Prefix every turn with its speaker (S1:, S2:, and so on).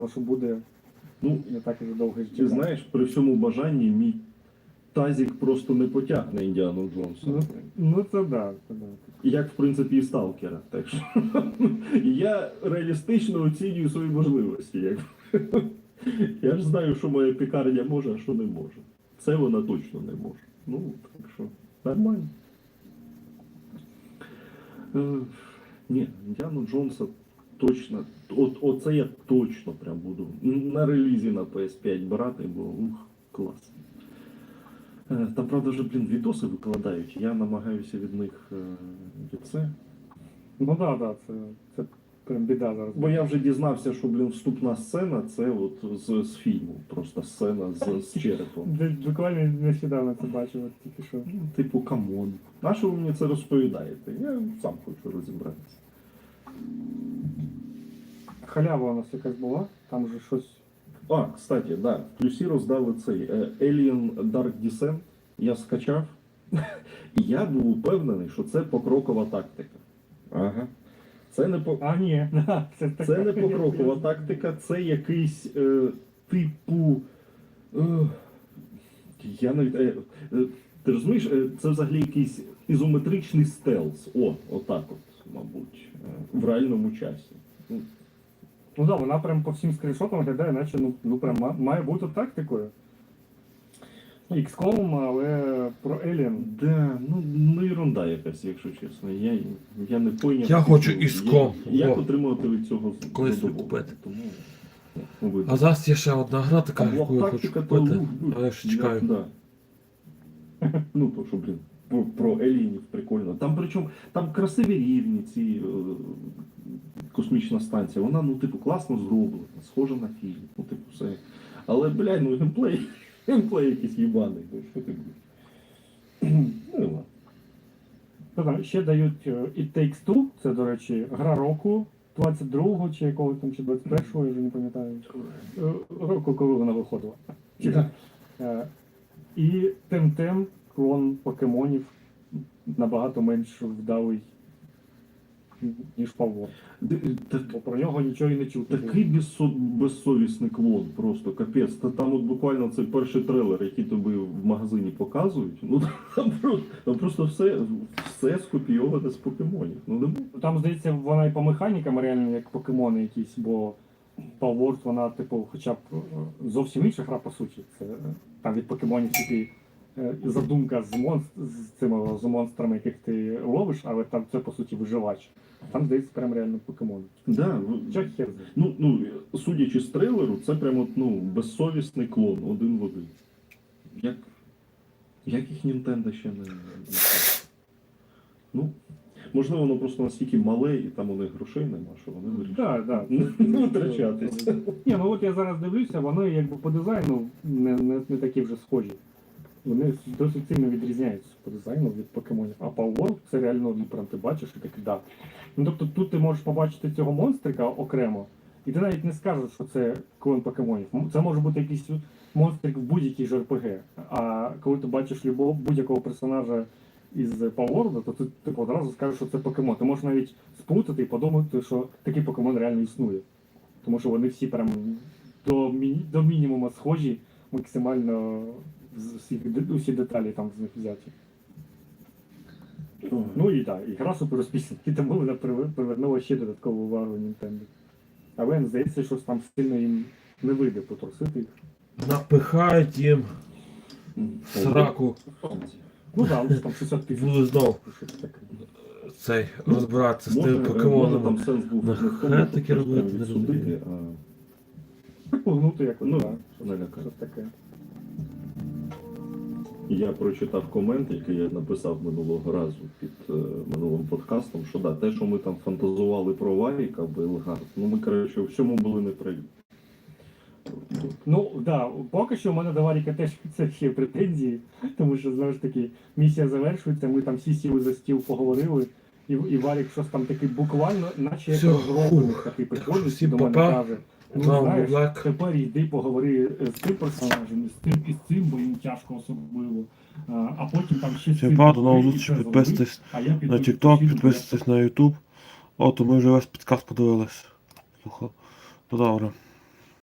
S1: що буде
S2: Ну,
S1: не так і довго
S2: ти
S1: життя.
S2: знаєш, при всьому бажанні мій тазік просто не потягне Індіану Джонса.
S1: Ну це да, це да.
S2: Як, в принципі, і Сталкера. Так що я реалістично оцінюю свої можливості. Я ж знаю, що моя пікарня може, а що не може. Це вона точно не може. Ну, так що, нормально. Ні, Індіану Джонса точно. Оце я точно прям буду на релізі на PS5 брати, бо клас. Там, правда, вже, відоси викладають. Я намагаюся від них від це.
S1: Ну да, це прям біда зараз.
S2: Бо я вже дізнався, що, вступна сцена це от з фільму. Просто сцена з черепом.
S1: Буквально нещодавно це бачив, от тільки що.
S2: Типу, камон. На що ви мені це розповідаєте? Я сам хочу розібратися.
S1: Халява у нас якась була, там же щось.
S2: А, кстати, да, в плюсі роздали цей Alien Dark Descent. Я скачав. І я був упевнений, що це покрокова тактика. Ага. Це не по...
S1: А, ні,
S2: Це не покрокова тактика, це якийсь типу. Я навіть. Ти розумієш, це взагалі якийсь ізометричний стелс. Отак от, мабуть, в реальному часі.
S1: Ну да, вона прям по всім скріншотам виглядає, наче ну прям має бути тактикою. XCOM, але про Alien.
S2: Да, ну ерунда якась, якщо чесно. Я не пойняв.
S3: Я хочу XCOM.
S2: Як отримувати від цього
S3: Колись
S2: задоволення.
S3: купити.
S2: Тому,
S3: А зараз є ще одна гра така,
S2: Там
S3: яку я хочу
S2: тактика, то,
S3: купити, але я ще чекаю.
S2: Да. Ну, то що, про Елінів прикольно. Там причому, там красиві рівні, ці космічна станція. Вона, класно зроблена, схожа на фільм. Все. Але, геймплей якийсь їбаний. Що ти будеш? Ну, ладно.
S1: Ще дають It Takes Two, це, до речі, гра року 22-го чи якого там, чи 21-го, я вже не пам'ятаю. Року, коли вона виходила. І Темтем, клон покемонів, набагато менш вдалий, ніж Павло. Бо про нього нічого і не чути.
S2: Такий безсовісний клон, просто капець. Там от буквально цей перший трейлер, який тобі в магазині показують, там просто все скопійоване з покемонів.
S1: Там, здається, вона і по механікам реально як покемони якісь, бо Palworld, вона, типу, хоча б зовсім інша гра, по суті. Це там від покемонів тільки задумка з монстрами, яких ти ловиш, але там це, по суті, виживач. Там, здається, прям реально покемони.
S2: Да,
S1: Чо хер знає?
S2: Судячи з трейлеру, це прям безсовісний клон, один в один. Як їх Nintendo ще не... Можливо, воно просто настільки мале, і там у них грошей нема, що вони вирішують.
S1: Так.
S2: Не витрачатися.
S1: Ні, от я зараз дивлюся, вони якби по дизайну не такі вже схожі. Вони досить сильно відрізняються по дизайну від покемонів. А Palworld це реально прям ти бачиш і такий да. Тобто тут ти можеш побачити цього монстрика окремо, і ти навіть не скажеш, що це клон покемонів. Це може бути якийсь монстрик в будь-якій ж RPG. А коли ти бачиш будь-якого персонажа із Palworld, то ти одразу скажеш, що це покемон. Ти можеш навіть сплутати і подумати, що такий покемон реально існує. Тому що вони всі прям до мінімуму схожі, максимально усі деталі там з них взяті. Ну і так, і гра супер успішна, і тому вона привернула ще додаткову увагу Nintendo. Але здається, що там сильно їм не вийде потрусити їх.
S3: Напихають їм сраку.
S1: Ну так, але там 60 тисяч.
S3: Буду знов цей розбиратися з тими покемонами. Нахай таке робити, не розумію.
S1: Погнути якось, так.
S2: Налякати.
S1: Таке.
S2: Я прочитав комент, який я написав минулого разу під минулим подкастом, що те, що ми там фантазували про Варіка, Белгард, ми, коротше, в цьому були не праві.
S1: Поки що в мене до Варіка теж це ще претензії, тому що, знову ж таки, місія завершується, ми там всі сіли за стіл, поговорили, і Варік щось там такий буквально, наче як розроблений, такий приходить, до мене каже. Знаєш, тепер йди поговори з цим персонажем, і з цим, бо їм тяжко особливо. А потім там ще з цим...
S3: Підписуйтесь на TikTok, підписуйтесь на YouTube. Ми вже весь підкаст подивились. Ну добре.